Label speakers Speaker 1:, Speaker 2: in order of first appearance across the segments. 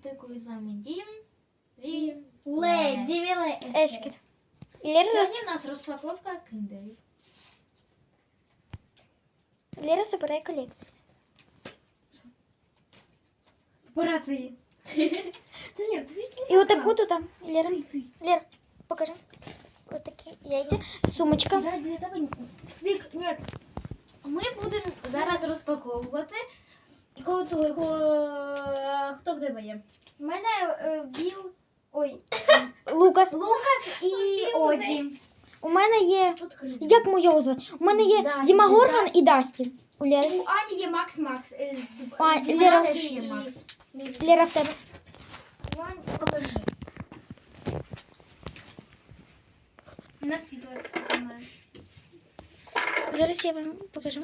Speaker 1: мультику з вами Дім.
Speaker 2: Леді
Speaker 3: Ешкер. Лера,
Speaker 1: Сьогодні у нас розпаковка киндерів.
Speaker 3: Лера собирає колекцію.
Speaker 2: Операції. Це Лер, дивіться.
Speaker 3: І отаку тут там. Лера, покажи. Отакі яйця. Сумочка.
Speaker 2: Я для тебе... Вік, ні.
Speaker 1: Ми будемо зараз розпаковувати. І хто в тебе є?
Speaker 2: У мене Біл... Ой.
Speaker 3: Лукас.
Speaker 2: Лукас і Оді.
Speaker 3: У мене є...
Speaker 1: Відкрити.
Speaker 3: Як його звати? У мене є
Speaker 1: Дасті,
Speaker 3: Діма Горган
Speaker 1: Дасті.
Speaker 3: і Дасті. У Лери.
Speaker 2: У Ані є Макс.
Speaker 3: А,
Speaker 2: З
Speaker 3: Лера
Speaker 2: теж
Speaker 1: є Макс.
Speaker 3: Лера в тебе.
Speaker 1: Покажи.
Speaker 2: У нас світло, кстати, має.
Speaker 3: Зараз я вам покажу.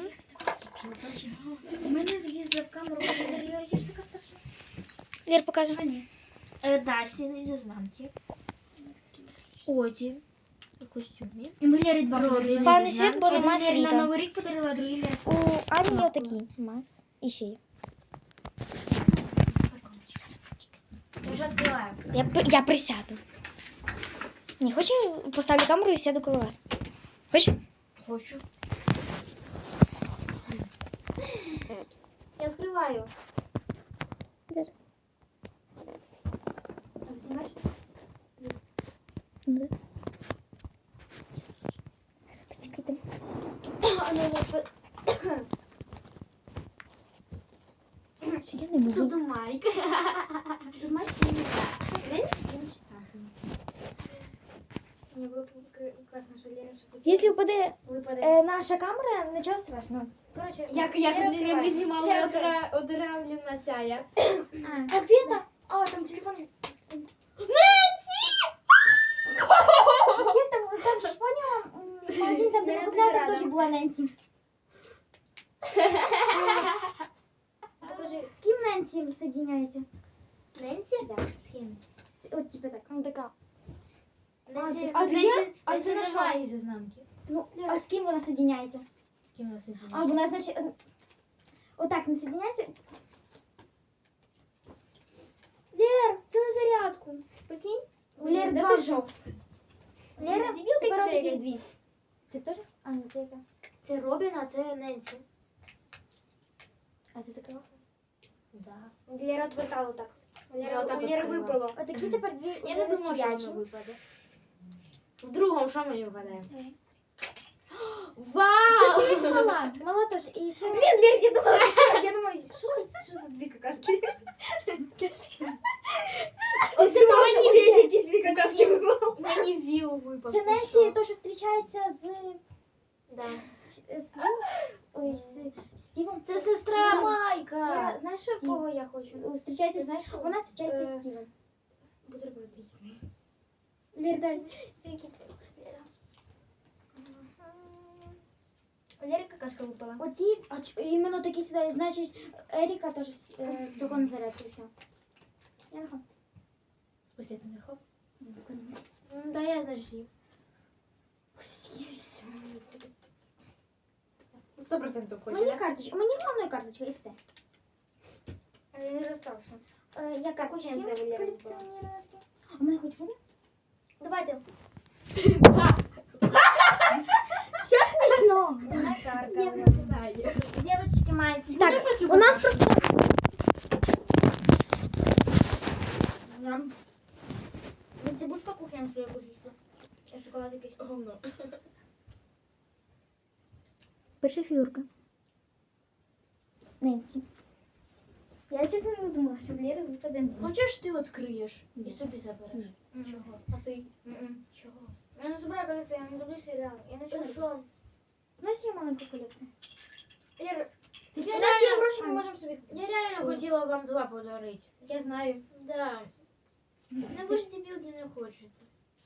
Speaker 2: У мене влізла в камеру. Я ж така страшна.
Speaker 3: Лер, показуй.
Speaker 2: А, ні.
Speaker 1: Дасті зі знамки. Оді. В костюмі.
Speaker 2: І ми Лері два подарили.
Speaker 3: Пане світ, бо
Speaker 2: Один
Speaker 3: нема
Speaker 2: Лері на
Speaker 3: світа.
Speaker 2: Новий рік подарила, а другий Лері.
Speaker 3: У Ані є отакі. Макс. І ще є.
Speaker 1: Я вже відкриваю.
Speaker 3: Я присяду. Не, хочу, поставлю камеру і сяду коло вас. Хочеш?
Speaker 1: Хочу. Я відкриваю.
Speaker 3: Зараз.
Speaker 1: Знімаєш?
Speaker 3: Ну, да. Почекайте. Це я не буду.
Speaker 1: Тут Майк.
Speaker 2: Тут Майк. Мені було класно, що Лера шепотіла.
Speaker 3: Якщо впаде
Speaker 2: Випаде.
Speaker 3: наша камера, нічого страшного.
Speaker 2: Коротше,
Speaker 1: Як
Speaker 2: Лера
Speaker 1: ми
Speaker 2: відкриває.
Speaker 1: знімали
Speaker 2: Лера відкриває.
Speaker 1: одравлена ця я.
Speaker 2: Конфета? А, там телефон. Як там ж поняла? В магазині там, де
Speaker 1: Лера
Speaker 2: ми купляли,
Speaker 1: дуже
Speaker 2: там
Speaker 1: рада.
Speaker 2: теж була Ненсі. Покажи, з ким Ненсі соединяється?
Speaker 1: Ненсі?
Speaker 2: Да, з ким? От типа так.
Speaker 3: Ну, така.
Speaker 1: Ненсі,
Speaker 2: а
Speaker 1: Ненсі,
Speaker 2: а
Speaker 1: Ненсі
Speaker 2: це на
Speaker 1: немає зі знамки.
Speaker 2: Ну, а з ким вона соединяється?
Speaker 1: З ким у нас є?
Speaker 2: А, вона, значить, отак не соединяється. Лер, це на зарядку. Прикинь? У Лери
Speaker 1: Де
Speaker 2: два.
Speaker 1: ти що?
Speaker 2: Лера,
Speaker 1: Дебілка
Speaker 2: тепер
Speaker 1: чи
Speaker 2: отакі
Speaker 1: якась?
Speaker 2: дві. Це теж? А, ну це яка?
Speaker 1: Це Робін, а це Ненсі.
Speaker 2: А ти закрила?
Speaker 1: Да.
Speaker 2: Лера отвертала отак. У
Speaker 1: Я
Speaker 2: Лери,
Speaker 1: отак
Speaker 2: у Лери
Speaker 1: відкрила.
Speaker 2: випало. Отакі тепер дві.
Speaker 1: Я не думала, що воно випаде. В другому що мені випадає? Вау!
Speaker 2: Це ти мала. Мала теж. І ще... Блін, Лер, я думаю, що за дві какашки? Оце теж якісь дві какашки випало.
Speaker 1: Мені віл випав.
Speaker 2: Це Ненсі, то, що зустрічається з...
Speaker 1: Да.
Speaker 2: Ой, з Стівом.
Speaker 1: Це сестра
Speaker 2: Стівом.
Speaker 1: Майка.
Speaker 2: Я, знаєш, що кого я хочу? Зустрічається, знаєш, вона зустрічається з Стівом.
Speaker 1: Бутерброд Дісней.
Speaker 2: Лер, дай. Це які це? Лера. У Лери какашка випала. Оці, іменно такі сідають, значить, Еріка теж того на зарядку, все. Я нахам.
Speaker 1: Спустя ти не хоп. Да, я значить їм. 100% хоче,
Speaker 2: Мені
Speaker 1: да?
Speaker 2: карточка, мені головне карточка і все. Я не розставши. Я карточка колекціонувати. А в мене хоч буде? Давайте. Що смішно?
Speaker 1: Я не знаю.
Speaker 2: Дівчатки мають.
Speaker 3: Так, у нас просто...
Speaker 2: Ти будеш по кухні свою будеш? Я шоколад якийсь.
Speaker 1: Говно.
Speaker 3: Перша фігурка.
Speaker 2: Ненсі. Я чесно не думала, що в Лєри випаде Ненсі.
Speaker 1: Хочеш ти відкриєш і собі забереш? Чого? А ти? Чого?
Speaker 2: Я не збираю колекцію, я не люблю серіал. Я не
Speaker 1: Ти
Speaker 2: люблю.
Speaker 1: що?
Speaker 2: У нас є маленька колекція. Лєра,
Speaker 1: Це
Speaker 2: у
Speaker 1: все
Speaker 2: нас є
Speaker 1: реально-
Speaker 2: гроші, ми можемо собі.
Speaker 1: Я реально хотіла вам 2 подарити.
Speaker 2: Я знаю.
Speaker 1: Да. Ну ви ж дебілки не хочете.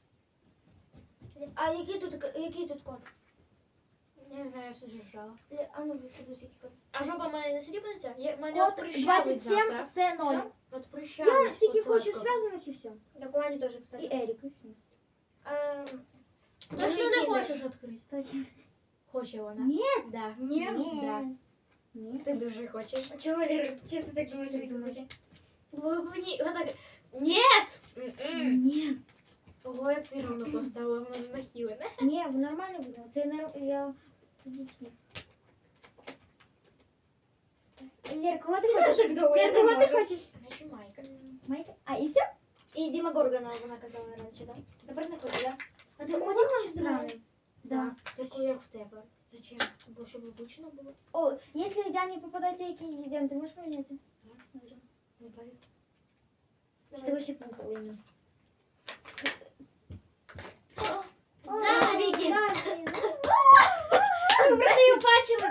Speaker 2: А який тут код?
Speaker 1: Не знаю, я все зжала.
Speaker 2: А ну, подивись, який код.
Speaker 1: А жопа моя не сліпнеться? Мене
Speaker 2: Код
Speaker 1: от прищавить
Speaker 2: 27
Speaker 1: завтра.
Speaker 2: С0.
Speaker 1: Що? От
Speaker 2: Я
Speaker 1: прищавить.
Speaker 2: тільки
Speaker 1: от
Speaker 2: хочу
Speaker 1: сладко.
Speaker 2: зв'язаних і все. Так у Ані теж, кстати. І Ерік.
Speaker 1: Точно не хочеш відкрити?
Speaker 2: Точно.
Speaker 1: Хоче вона?
Speaker 2: Ні.
Speaker 1: Да.
Speaker 2: Ні.
Speaker 1: Да.
Speaker 2: Ні.
Speaker 1: Ти дуже хочеш.
Speaker 2: А чого, Лєра? Чого ти так думаєш, що він хоче?
Speaker 1: Мені отак. Нет!
Speaker 2: Ні.
Speaker 1: Ого, як ти рівно поставила, воно нахилене.
Speaker 2: Ні, нормально буде. Це я тоді ті. Лер, кого ти хочеш? Лер, кого ти хочеш?
Speaker 1: Хочу Майка.
Speaker 2: Майка? А, і все? І Діма Горгана вона казала раніше, так? Тепер не хоче, так? А ти одяг странний. Да.
Speaker 1: Таку, як в тебе. Зачем? Бо щоб обучено було.
Speaker 2: О, якщо Діані попадається якийсь дідем, ти можеш поміняти?
Speaker 1: Так, добре. Не пари.
Speaker 2: Що ти вообще пукали?
Speaker 1: Да, Вікі.
Speaker 2: Ви просто її бачили,